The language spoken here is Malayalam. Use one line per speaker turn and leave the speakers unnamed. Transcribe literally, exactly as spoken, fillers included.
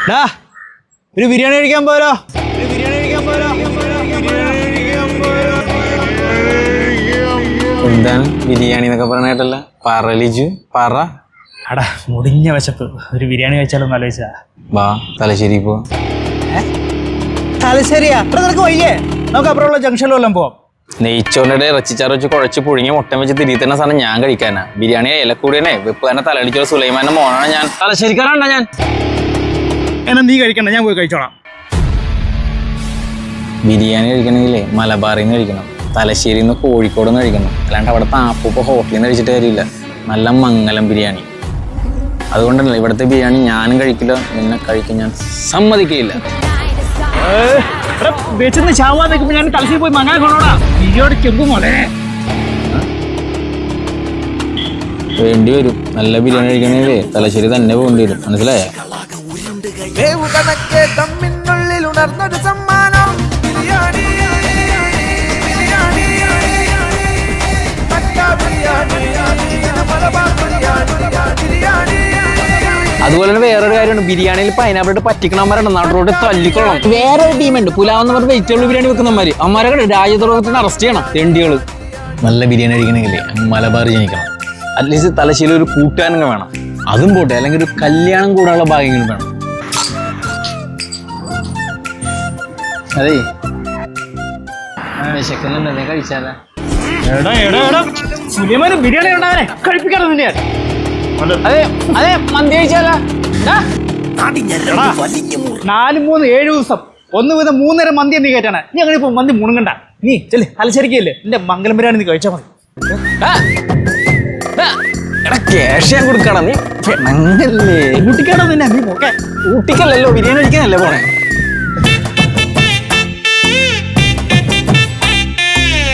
ഒരു ബിരിയാണി കഴിക്കാൻ പോരോ ഒരു ബിരിയാണി കഴിക്കാൻ പോരോ
എന്താണ് ബിരിയാണി എന്നൊക്കെ പറഞ്ഞിട്ടല്ല പറലിജു പറ
അടാ മുടിഞ്ഞ വിശപ്പ് ഒരു ബിരിയാണി കഴിച്ചാലൊന്നും ആലോചിച്ചാ
വാ തലശ്ശേരി പോ
തലശ്ശേരിയാ അത്ര നിനക്ക് വയ്യേ നമുക്ക് അപ്പുറമുള്ള ജംഗ്ഷനിൽ വല്ലതും പോവാം.
നെയ്ച്ചോറിന്റെ ഇറച്ചിച്ചാറ് വെച്ച് കുഴച്ച് പുഴുങ്ങി മുട്ട വെച്ച് തിരികെ തന്നെ സാധനം ഞാൻ കഴിക്കാനാ ബിരിയാണി ഇലക്കൂടിയനെ വെപ്പ് തന്നെ തലടിച്ചുള്ള സുലൈമാന്റെ മോനാണ് ഞാൻ തലശ്ശേരിക്കാരാണ്ടാ ഞാൻ
എന്നാ നീ കഴിക്കണ്ട ഞാൻ പോയി കഴിച്ചോളാം.
ബിരിയാണി കഴിക്കണമെങ്കിലേ മലബാറിൽ നിന്ന് കഴിക്കണം തലശ്ശേരിയിൽ നിന്ന് കോഴിക്കോട് നിന്ന് കഴിക്കണം അല്ലാണ്ട് അവിടെ താപ്പൂപ്പ ഹോട്ടലിൽ നിന്ന് കഴിച്ചിട്ട് കാര്യമില്ല നല്ല മംഗലം ബിരിയാണി അതുകൊണ്ടല്ല ഇവിടുത്തെ ബിരിയാണി ഞാനും കഴിക്കില്ല നിന്നെ കഴിക്കാൻ ഞാൻ സമ്മതിക്കില്ല.
വെച്ചെന്ന് ചാവാൻ നിൽക്കുമ്പോൾ ഞാൻ തലശ്ശേരി പോയി മങ്ങാൻ കൊണ്ടോടാ ബിരിയാണി ചെമ്പ് മോളെ
വേണ്ടി വരും നല്ല ബിരിയാണി കഴിക്കണമെങ്കിലേ തലശ്ശേരി തന്നെ പോകേണ്ടി വരും മനസ്സിലായോ? അതുപോലെ തന്നെ വേറൊരു കാര്യമാണ് ബിരിയാണിയിൽ പൈനാപ്പിൾ ഇട്ട് പറ്റിക്കണമാരുണ്ട് നാട്ടിലോട്ട് തല്ലിക്കൊള്ളണം. വേറൊരു ടീമുണ്ട് പുലാവെന്ന് പറഞ്ഞ വെജിറ്റബിൾ ബിരിയാണി വെക്കുന്നമാര് അമ്മമാരെ രാജ്യദ്രോഹത്തിന് അറസ്റ്റ് ചെയ്യണം തെണ്ടികള്. നല്ല ബിരിയാണി കഴിക്കണമെങ്കിലേ മലബാർ ജനിക്കണം അറ്റ്ലീസ്റ്റ് തലശ്ശേരി ഒരു കൂട്ടുകാരനും വേണം അതും പോട്ടെ അല്ലെങ്കിൽ ഒരു കല്യാണം കൂടാനുള്ള ഭാഗ്യങ്ങളും വേണം. അതേ വിശക്കുന്നുണ്ടല്ലേ കഴിച്ചാലേ
ബിരിയാണി ഉണ്ടാവനെ കഴിപ്പിക്കാറുണ്ട്.
അതെ അതെ മന്തി കഴിച്ചാലോ
നാല് മൂന്ന് ഏഴ് ദിവസം ഒന്ന് വീതം മൂന്നര മന്തി നീ കയറ്റാണ് നീ അങ്ങനെ ഇപ്പൊ മന്തി മുണുങ്ങണ്ട നീ ചെല്ലേ തലശ്ശേരിക്കല്ലേ എന്റെ മംഗലം ബിരിയാണി നീ കഴിച്ചാൽ മതി.
ക്യാഷ് ഞാൻ കൊടുക്കണം നീ പെണ്ണല്ലേ
ഊട്ടിക്കാണോ നിന്നെ നീ പോക്കെ
ഊട്ടിക്കല്ലല്ലോ ബിരിയാണി കഴിക്കാനല്ലേ പോണേ.